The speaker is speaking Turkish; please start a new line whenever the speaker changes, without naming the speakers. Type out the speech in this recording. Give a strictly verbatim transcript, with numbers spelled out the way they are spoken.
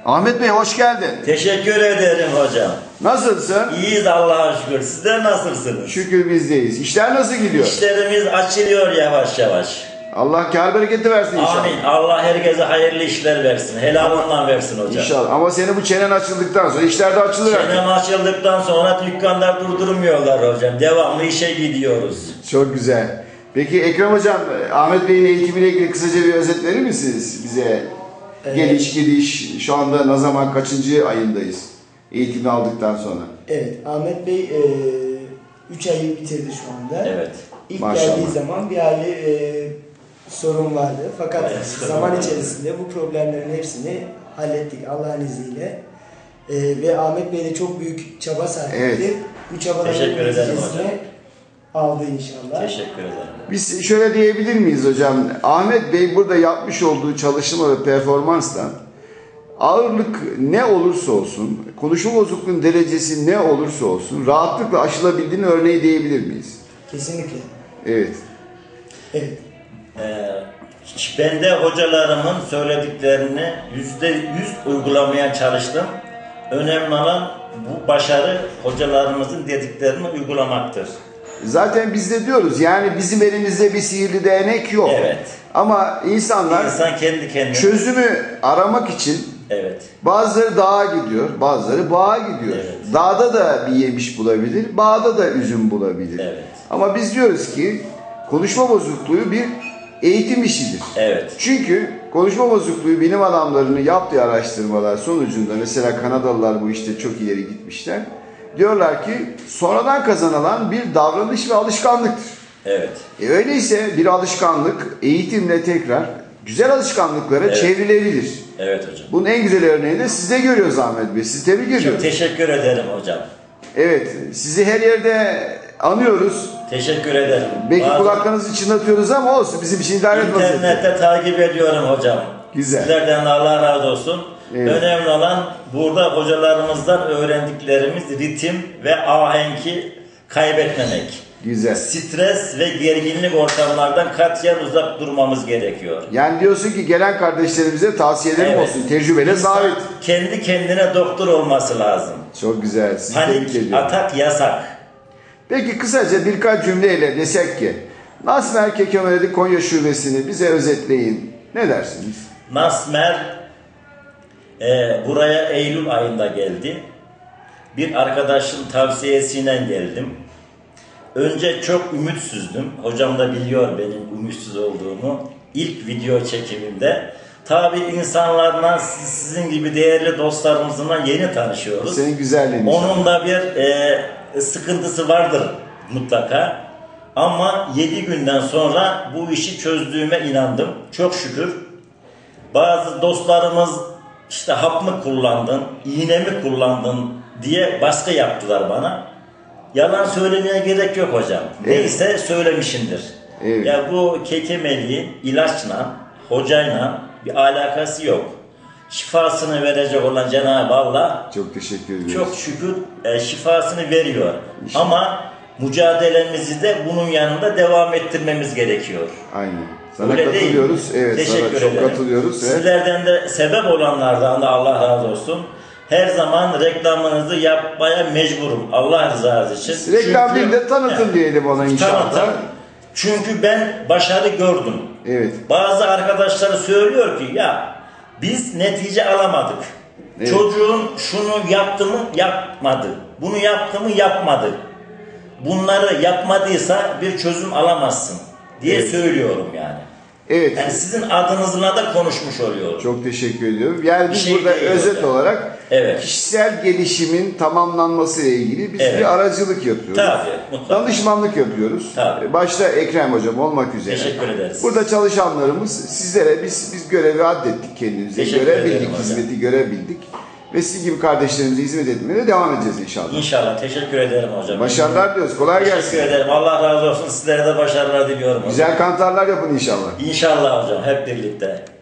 Ahmet Bey hoş geldin.
Teşekkür ederim hocam.
Nasılsın?
İyiyiz Allah'a şükür. Sizler nasılsınız?
Şükür bizdeyiz. İşler nasıl gidiyor?
İşlerimiz açılıyor yavaş yavaş.
Allah kâr bereketi versin inşallah.
Amin. Allah herkese hayırlı işler versin. Helalından versin hocam.
İnşallah. Ama senin bu çenen açıldıktan sonra işler de açılır artık.
Çenem açıldıktan sonra dükkanlar durdurmuyorlar hocam. Devamlı işe gidiyoruz.
Çok güzel. Peki Ekrem Hocam, Ahmet Bey'in eğitimiyle ilgili kısaca bir özet verir misiniz bize? Evet. Geliş gidiş, şu anda ne zaman kaçıncı ayındayız eğitimi aldıktan sonra?
Evet, Ahmet Bey üç ayı bitirdi şu anda.
Evet.
İlk
Maşallah.
geldiği zaman bir hali e, sorun vardı. Fakat
Evet,
zaman
sorun
içerisinde bu problemlerin hepsini hallettik Allah'ın izniyle. E, ve Ahmet Bey de çok büyük çaba sarf etti.
Evet.
Bu çabaların
Teşekkür ederim
neticesini
hocam.
aldı inşallah.
Teşekkür ederim.
Biz şöyle diyebilir miyiz hocam? Ahmet Bey burada yapmış olduğu çalışma ve performansla ağırlık ne olursa olsun, konuşma bozukluğunun derecesi ne olursa olsun rahatlıkla aşılabildiğini örneği diyebilir miyiz?
Kesinlikle.
Evet.
Evet.
Ee, ben de hocalarımın söylediklerini yüzde yüz uygulamaya çalıştım. Önemli olan bu başarı hocalarımızın dediklerini uygulamaktır.
Zaten biz de diyoruz yani bizim elimizde bir sihirli değnek yok.
Evet.
Ama insanlar
İnsan kendi kendine
çözümü aramak için
evet.
bazıları dağa gidiyor, bazıları bağa gidiyor.
Evet.
Dağda da bir yemiş bulabilir, bağda da üzüm bulabilir.
Evet.
Ama biz diyoruz ki konuşma bozukluğu bir eğitim işidir.
Evet.
Çünkü konuşma bozukluğu bilim adamlarının yaptığı araştırmalar sonucunda mesela Kanadalılar bu işte çok ileri gitmişler. Diyorlar ki sonradan kazanılan bir davranış ve alışkanlıktır.
Evet.
E öyleyse bir alışkanlık eğitimle tekrar güzel alışkanlıklara
Evet.
çevrilebilir.
Evet hocam.
Bunun en güzel örneğini de sizde görüyoruz Ahmet Bey. Sizi tebrik ediyoruz.
Çok teşekkür ederim hocam.
Evet, sizi her yerde anıyoruz.
Teşekkür ederim.
Belki
Bazı
kulaklarınızı çınlatıyoruz ama olsun bizim için idare etmez.
İnternette takip ediyorum hocam.
Güzel.
Sizlerden de Allah razı olsun.
Evet.
Önemli olan burada hocalarımızdan öğrendiklerimiz ritim ve ahenki kaybetmemek.
Güzel.
Stres ve gerginlik ortamlardan katiyen uzak durmamız gerekiyor.
Yani diyorsun ki gelen kardeşlerimize tavsiyelerim
Evet.
olsun. Tecrübeyle
İnsan
sabit.
kendi kendine doktor olması lazım.
Çok güzel. Sizi tebrik
Panik,
ediyorum.
atak yasak.
Peki kısaca birkaç cümleyle desek ki Nasmer Kekemeledi Konya Şubesi'ni bize özetleyin. Ne dersiniz?
Nasmer e, buraya Eylül ayında geldi. Bir arkadaşın tavsiyesiyle geldim. Önce çok ümitsizdim. Hocam da biliyor benim ümitsiz olduğumu. İlk video çekimimde. Tabi insanlarla sizin gibi değerli dostlarımızla yeni tanışıyoruz.
Senin güzelliğin.
Onun da bir e, sıkıntısı vardır mutlaka. Ama yedi günden sonra bu işi çözdüğüme inandım. Çok şükür. Bazı dostlarımız işte hap mı kullandın, iğne mi kullandın diye baskı yaptılar bana. Yalan söylemeye gerek yok hocam. Evet. Neyse söylemişimdir. Evet. Ya bu kekemeliğin ilaçla, hocayla bir alakası yok. Şifasını verecek olan Cenab-ı Allah
çok teşekkür ediyoruz.
Çok şükür e, şifasını veriyor. İnşallah. Ama mücadelemizi de bunun yanında devam ettirmemiz gerekiyor.
Aynen. Sana
Öyle
katılıyoruz. Evet,
teşekkür
sana çok
ederim.
katılıyoruz.
Sizlerden de sebep olanlardan da Allah razı olsun. Her zaman reklamınızı yapmaya mecburum. Allah rızası için.
Reklam
Çünkü,
değil de tanıtım
he,
diyelim ona inşallah.
Tanıtım. Çünkü ben başarı gördüm.
Evet.
Bazı arkadaşlar söylüyor ki ya biz netice alamadık. Evet. Çocuğun şunu yaptı mı yapmadı. Bunu yaptı mı yapmadı. Bunları yapmadıysa bir çözüm alamazsın diye evet. söylüyorum yani.
Evet.
Yani sizin adınızla da konuşmuş oluyorum.
Çok teşekkür ediyorum. Yani biz
şey
burada özet hocam. olarak
evet.
kişisel gelişimin tamamlanması ile ilgili biz evet. bir aracılık yapıyoruz.
Tabii, mutlaka.
Danışmanlık yapıyoruz. Tabii. Başta Ekrem Hocam olmak üzere.
Teşekkür ederiz.
Burada çalışanlarımız sizlere biz biz görevi addettik kendimize.
Teşekkür
görebildik, hizmeti görebildik. Ve sizin gibi kardeşlerimize hizmet etmeye devam edeceğiz inşallah.
İnşallah. Teşekkür ederim hocam.
Başarılar diliyoruz. Kolay
Teşekkür
gelsin.
Teşekkür ederim. Allah razı olsun. Sizlere de başarılar diliyorum hocam.
Güzel kantarlar yapın inşallah.
İnşallah hocam. Hep birlikte.